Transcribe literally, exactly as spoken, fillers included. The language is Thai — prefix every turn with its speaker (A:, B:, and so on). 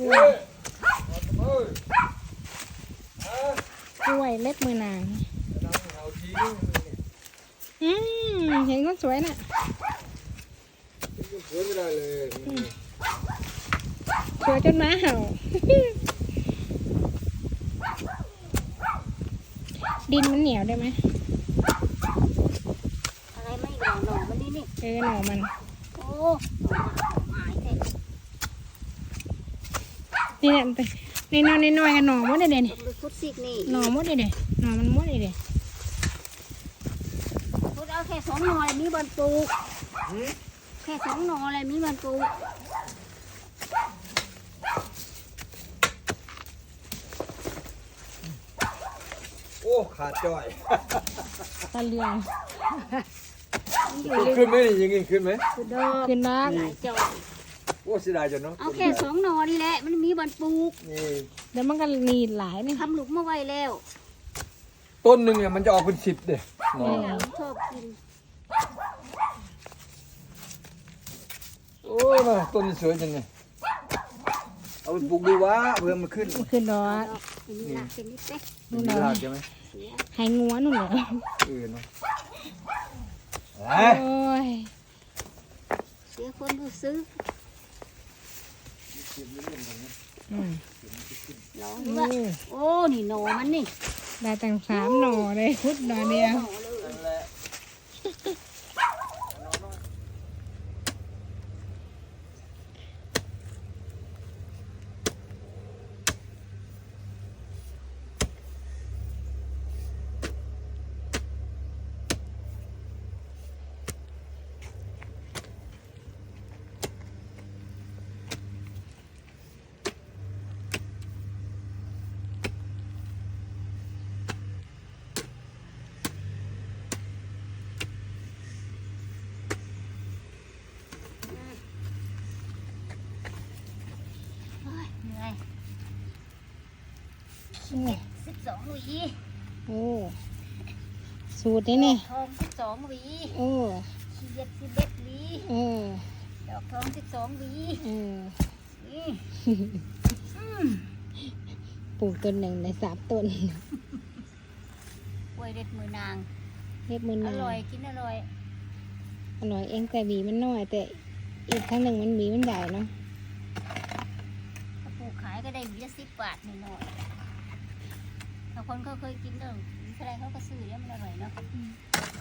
A: ล้วยกล้วยเล็บมือนางอืมเห็นคนสวยน่ะ
B: สวยไม่ได้เลย
A: สวยจนม้าเห่าดินมันเหนียวได้ไหม
C: อะไรไม่หน่อหน่อมันนี่นี่
A: เออหน่อมัน
C: โอ้หายเลย
A: นี่เนี่ยในนอนในน้อยกันหน่อมดเลยเด่น
C: พุดซิกนี่
A: หน่อมดเลยเด่นหน่อมันมดเลยเด่น
C: พุดเอาแค่สองหน่อเลยมีบอลปลูกแค่สองหน่อเลยมีบอลปลูก
B: โอ้ขาดจ่อย
A: ตะเลียง
B: ขึ้นไหมนี่ยังไงขึ้นไหม
C: คือดอก
A: ขึ้นนัก
C: จอย
B: โอ้เสียดายจังเนาะ
C: เอาแค่สองหน่อนี่แหละมันมีบอลปลูก
B: นี่
A: เดี๋ยวมันก็นีหลายนี่
C: ทำหลุมมาไว้แล้ว
B: ต้นหนึ่งเนี่ยมันจะออกเป็นสิบเด้หนอ
C: ชอบกิน
B: โอ้ยมาต้นนี้สวยจังเลยเอาไปปลูกดูวะเพื่อมันขึ้น
A: มันขึ้นดอก
C: นี่ละเป็นนิดเล็ก
B: นู่นรากใช่ไหม
A: หายงัวนู่นเหรอ
B: เออเนาะ
A: โอ้ย
C: เสียคนผู้ซื้อ
A: อืม
C: ลองดูว่าโอ้นี่หน่อมันนี่
A: ได้ตั้งสามหน่อเลยพุดหน่อเดียว
C: สิบสองหวี
A: โอ้สูตรนี้นี่
C: ทองสิบสองหวี
A: โอ้
C: ขี้เย็ดสิบเอ็ดหวี
A: เออ
C: ดอกทองสิบสองหวี
A: เออ
C: นี่
A: ปลูกต้นหนึ่งในสามต้น
C: กล้วยเด็ดมือนาง
A: เล็บมือนาง
C: อร่อยกินอร่อย
A: อร่อยเองแต่หวีมันน้อยแต่อีกทั้งหนึ่งมันหวีมันใหญ่เนาะ
C: ถ้าปลูกขายก็ได้หวีละสิบบาทหน่อยๆบางคนเขาเคยกินเรื่องอะไรเขาก็ซื้อแล้วมันอร่อยเนาะ